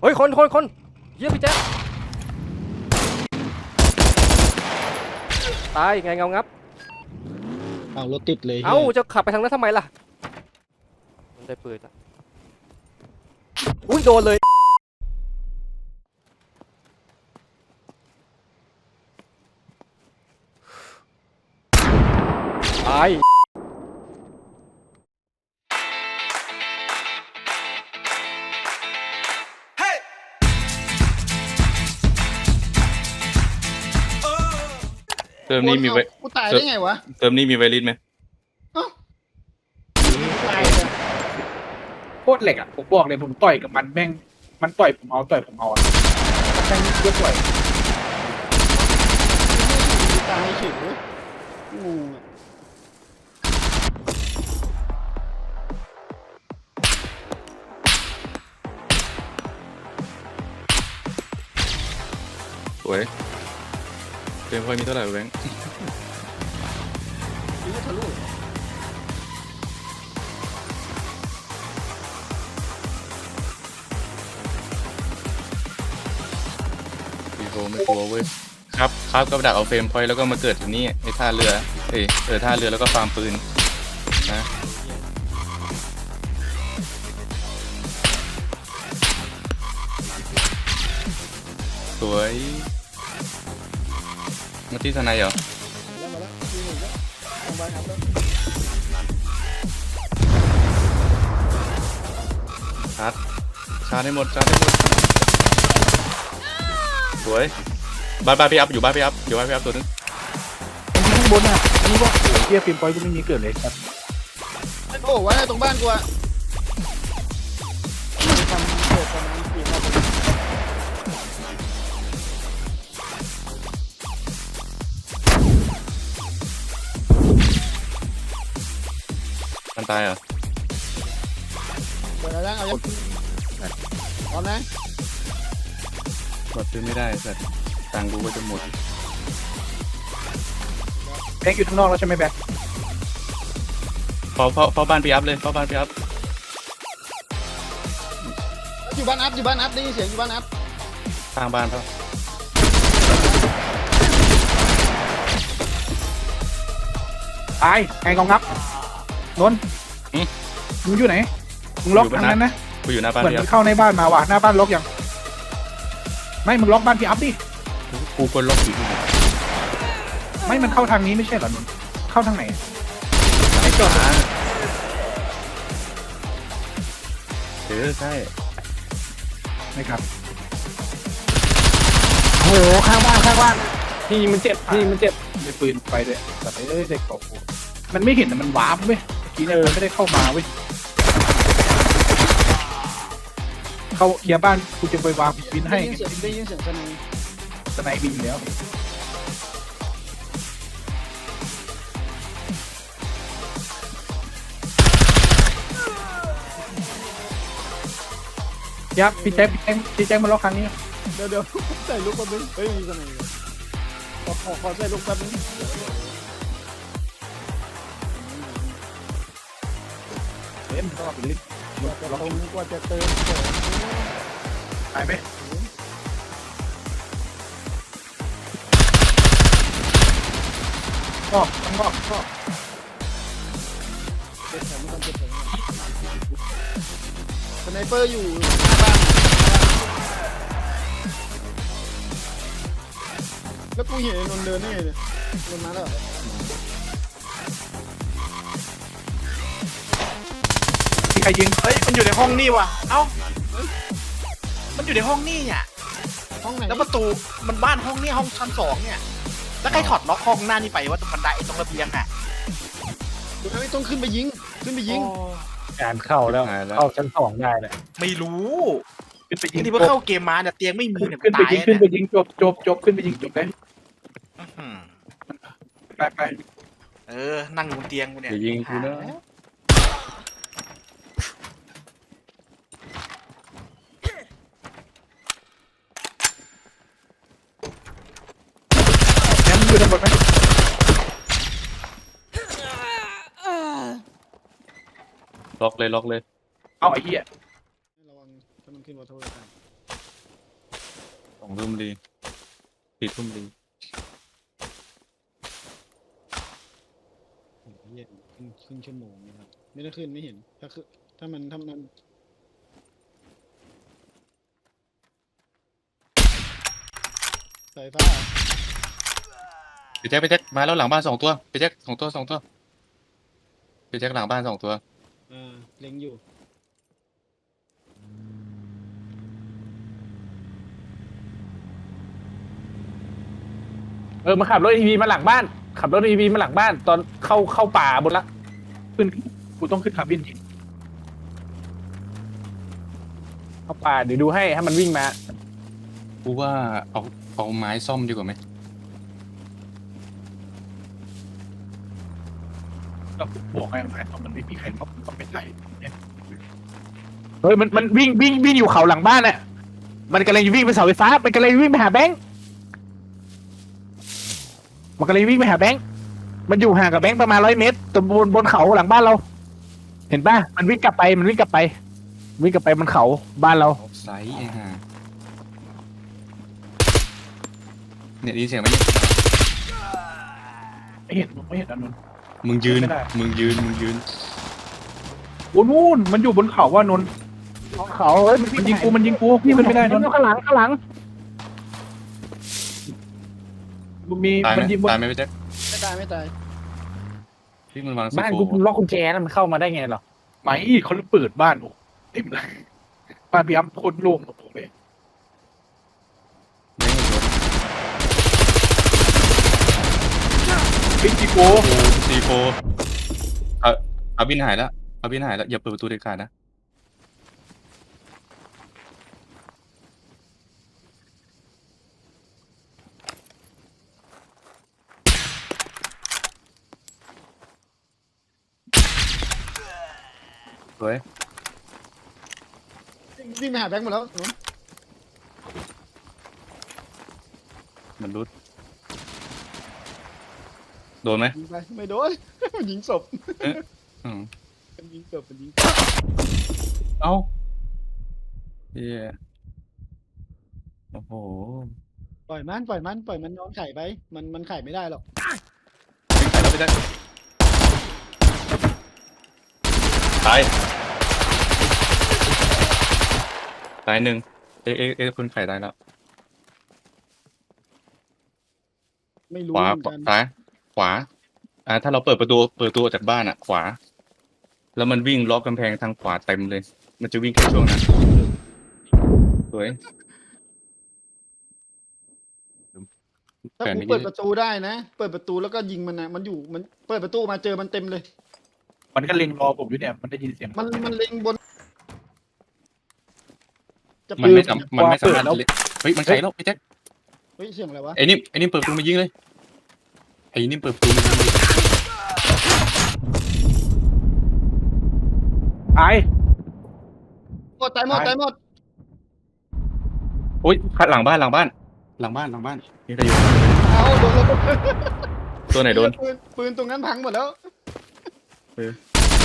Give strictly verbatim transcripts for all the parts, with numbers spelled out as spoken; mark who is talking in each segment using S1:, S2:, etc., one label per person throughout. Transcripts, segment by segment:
S1: ฮ้ยคนคนคนเยี่ยพี่แจ๊คตายไงเงางับ
S2: เอารถติดเลย
S1: เอ้าจะขับไปทางนั้นทำไมล่ะมันได้ปืนละอุ้ยโดนเลยตาย
S3: เติมนี้มีไว
S2: กูตายได้ไงวะ
S3: เติมนี้มีไวริสไหม
S2: ตายเลย
S4: โคตรเหล็กอ่ะผมบอกเลยผมต่อยกับมันแม่งมันต่อยผมเอาต่อยผมเอาอ่ะแม่งเยอะต่อย
S2: ตายเฉยงู
S3: สวยเติมพอยมีเท่าไหร่แบงค์ดีโฟไม่กลัวเว้ยครับครับก็ดักเอาเฟรมพอยแล้วก็มาเกิดที่นี่ไอ้ท่าเรือเอ้ยเออท่าเรือแล้วก็ฟาร์มปืนนะสวยมาที่ทนายเหรอชาร์จชาร์จให้หมดชาร์จให้หมดสวยบ้านบ้านพี่อัพอยู่บ้านพี่อัพอยู่บ้านพี่อัพตัวนึง
S4: ข้างบนอ่ะนี่ว่าโอ้เทียฟิล์มปอยก็ไม่มีเกิดเลยครับ
S2: โอ้ไว้ตรงบ้านกูอะทำเกิดประมาณสี่รอบ
S3: มันตายเหรอ
S2: เปิดแล้วเอายังพร้อมนะ
S3: กดซื้อไม่ได้สัตว์ตังค์กูก็จะหมด
S4: แบงค์อยู่ข้างนอกแล้วใช่ไหมแบงค์
S3: เฝ้าเฝ้าเฝ้าบ้านพี่อัพเลยเฝ้าบ้านพี่อัพ
S2: อยู่บ้านอัพอยู่บ้านอัพได้ยินเสียงอยู่บ้านอัพ
S3: สร้างบ้านเปล่า
S4: ตายไงกองงับนนท์มึงอยู่ไหนมึงล็อกทางนั้นนะ
S3: กูอยู่หน้าบ้าน
S4: เหมือน
S3: พี่อั
S4: มั
S3: พ
S4: นเข้าในบ้านมาว่ะหน้าบ้านล็อกยังไม่มึงล็อกบ้านพี่อัพดิ
S3: กูกดล็อกอยู่
S4: ไม่มันเข้าทางนี้ไม่ใช่เหรอนนท์เข้าทางไหนไอ้จอด
S3: เออใช่
S4: นะครับโอ้โหข้างบ้านข้างบ้านที่มันเจ็บที่มันเจ็บในปืนไปเลยแต่เอ้ยเด็กตกมันไม่เห็นแต่มันวาร์ปเว้ยเมื่อกี้เนี่ยมันไม่ได้เข้ามาเว้ยเขาเคลียร์บ้านกูจะไปวางบินให้
S2: ได้ยินเสียงได้ยินเสียงสนาย
S4: สไนบินแล้วยับพี่แจ๊คพี่แจ๊คพี่แจ๊คมาล็อกครั้งนี้
S2: เดี๋ยวเดี๋ยวใส่ลูกแป๊บนึงเฮ้ยมีสนายขอขอขอใส่ลูกแป๊บนึง
S4: เล่นก็เป็นลิ้น
S2: เราคงกว่าจะเติม
S4: หายไหมก็ก็ก็
S2: เจ็บแถมไม่ต้องเจ็บแถมสไนเปอร์อยู่หน้าบ้านแล้วกูเห็นนนเดินนี่ไงเนี่ยนนมาแล้ว
S4: ที่ใครยิง
S5: เฮ้ยมันอยู่ในห้องนี่ว่ะเอ้ามันอยู่ในห้องนี่เนี่ย
S2: ห้องไหน
S5: แล้วประตูมันบ้านห้องนี่ห้องชั้นสองเนี่ยแล้วใครถอดล็อกห้องหน้านี่ไปว่าตรงบันไดตรงระเบียงอ่ะ
S2: ไม่ต้องขึ้นไปยิงขึ้นไปยิง
S4: การเข้าแล้วเข้าชั้นสองได้เลย
S5: ไม่รู้
S4: ขึ้นไปยิง
S5: ที่ว่าเข้าเกมมาเนี่ยเตียงไม่มีเนี่ย
S4: ขึ้นไปยิงขึ้นไปยิงจบจบจบขึ้นไปยิงจบเลยไปไป
S5: เออนั่งบนเตียงกูเนี่ย
S3: ยิงกูนะ
S4: ยังอยู่ทั้งหมดไหม
S3: ล็อกเลยล็อกเลย
S4: เอาไอ้เหี้ย
S2: ระวังถ้ามันขึ้นมาโทษกัน
S3: องทุ่มดีสี่ทุ่มดี
S2: โอ้โหเหี้ยครึ่งครึ่งชั่วโมงนะครับไม่ได้ขึ้นไม่เห็นถ้าคือถ้ามันถ้ามันสายฟ้า
S3: ไปแจ็คไปแจ็คมาแล้วหลังบ้านสองตัวไปแจ็คสองตัวสองตัวไปแจ็คหลังบ้านสองตัว
S2: อ่าเล็งอยู่
S4: เออมาขับรถอีวีมาหลังบ้าน ขับรถอีวีมาหลังบ้าน ตอนเข้าเข้าป่าบนละขึ้นกูต้องขึ้นคาร์บินจริงเข้าป่าเดี๋ยวดูให้ให้มันวิ่งมา
S3: กูว่าเอาเอาไม้ซ่อมดีกว่าไหม
S4: ก็บอกให้มันมันไม่มีใครมาก็ไม่ใช่เฮ้ยมันมันวิ่งวิ่งวิ่งอยู่เขาหลังบ้านน่ะมันกำลังจะวิ่งไปเสาไฟฟ้ามันกำลังจะวิ่งไปหาแบงค์มันกำลังจะวิ่งไปหาแบงค์มันอยู่ห่างกับแบงค์ประมาณร้อยเมตรตรงบนบนเขาหลังบ้านเรา เห็นป่ะมันวิ่งกลับไปมันวิ่งกลับไป วิ่งกลับไปบนเขาบ้านเรา
S3: ออฟไซด์ไอ้ห่าเนี่ยได้ยินเสียงไหมเนี่ย
S4: ไม่เห็นไม่เห็นอันนั้น
S3: มึงยืน
S4: ไม่ได้
S3: มึงยืนมึงยืน
S4: โอ้นู่นมันอยู่บนเขาว่านนเขาเฮ้ยมันยิงกูมันยิงกูพี่มันไม่ได้นนข้างหลังข้างหลังมี
S3: ตายไหม
S4: มันยิงบน
S3: ตายไหมพี่แจ็ค
S2: ไม่ตายไม่ตาย
S3: พี่มันวางซี
S4: บ้าน
S3: โฟ
S4: กูล็อกกุญแจแล้วมันเข้ามาได้ไงหรอไม่เขาเปิดบ้านโอ้เต็มเลยบ้านพี่อ้ำโคตรโล่งโอ้โหเลย
S3: ไม่เห็นรถ
S4: บิ๊กจีโก
S3: ซีโฟเอาเอาบินหายแล้วเอาบินหายแล้วอย่าเปิดประตูเด็ดขาดนะ สวย
S2: วิ่งไปหาแบงค์หมดแล้วหนู
S3: มันรุดโดนไหม
S2: ยิงไปไม่โดน มันยิงศพ
S3: อืม
S2: มันยิงศพมันยิง
S3: เอ้าเฮียโอ้โห
S2: ปล่อยมันปล่อยมันปล่อยมันนอนไข่ไปมันมันไข่ไม่ได้หรอก
S3: วิ่งไปแล้วไปได้ตายตายหนึ่งเอ๊ะเอ๊ะเอ๊ะคุณไข่ตายแล้ว
S2: ไม่รู้
S3: ขวา
S2: เหมือนกัน
S3: ซ้ายขวา อ่า ถ้าเราเปิดประตูเปิดประตูออกจากบ้านอ่ะ ขวา แล้วมันวิ่งล้อกำแพงทางขวาเต็มเลย มันจะวิ่งแค่ช่วงนั้นสวย
S2: ถ้า
S3: แผน
S2: กู
S3: นี้
S2: เปิดประตูได้นะ เปิดประตูแล้วก็ยิงมันนะมันอยู่มันเปิดประตูมาเจอมันเต็มเลย
S4: มันก็เล็งรอผมอยู่เนี่ยมันได้ยินเสียง
S2: มันมันเล็งบน จะ
S3: มัน
S2: เปิ
S3: ไม่
S2: ด
S3: สามมันไม่สามารถ
S4: เปิดแล้ว
S3: เล่นเฮ้ย มันไขแล้วไอ้แจ็ค
S2: เฮ้ยเสียงอะไรวะ
S3: ไอ้นี่ไอ้นี่เปิดประตูมายิงเลย ไอ้นี่เปิดประตูมายิงเลย
S4: ตาย
S2: หมดตายหมดตายหมด
S3: โอ๊ยหลังบ้านหลังบ้าน หลังบ้านหลังบ้านมีใครอยู่
S2: เอาโดนแล้ว
S3: ตัวไหนโดน
S2: ปืนปืนตรงนั้นพังหมดแล้ว
S3: เออ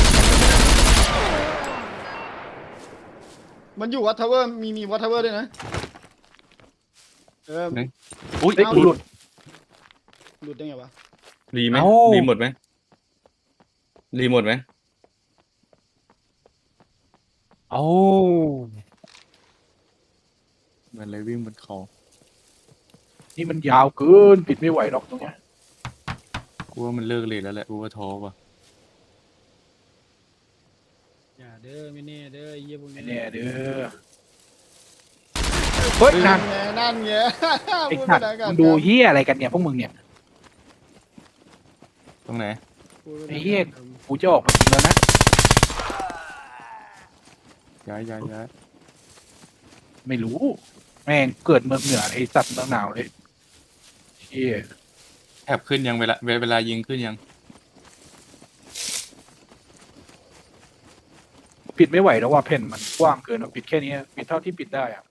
S2: มันอยู่วัตเทเวอร์มีมีวัตเทเวอร์ด้วยนะเออ
S3: อุ้ย
S4: เฮ้ยกูหลุด
S2: หลุดได้ไงวะ
S3: รีไหม
S4: เอ้า
S3: รีหมดไหมรีหมดไหม
S4: โอ้
S3: มันเลยวิ่งบนเขา
S4: นี่มันยาวเกินปิดไม่ไหวหรอกตรงเนี้ย
S3: กูว่ามันเลิกเลยแล้วแหละกูว่าท้อว่ะ
S2: อย่าเด้อไม่แน่เด้อไอ้เยี่ยพวก
S4: ไม่
S2: นี้
S4: แน่เด้อเฮ้ยนั่น
S2: ไงนั่นไง
S4: ไอ้
S2: พูด
S4: สั
S2: ไม่
S4: ตว์
S2: ได้กัน
S4: มึงดูเฮียอะไรกันเนี่ยพวกมึงเนี่ย
S3: ตรงไหน
S2: พูดม่ด้
S4: ไอ้เหี้ย กูจะออกมายิงแล้วนะ
S3: ย้ายย้ายย้าย
S4: ไม่รู้ แม่งเกิดเมืองเหนือไอสัตว์เมืองหนาวเลยเฮีย
S3: แถบขึ้นยังเวลาเวลายิงขึ้นยัง
S4: ปิดไม่ไหวแล้วว่าแผ่นมันกว้างเกินอะปิดแค่นี้ปิดเท่าที่ปิดได้อะ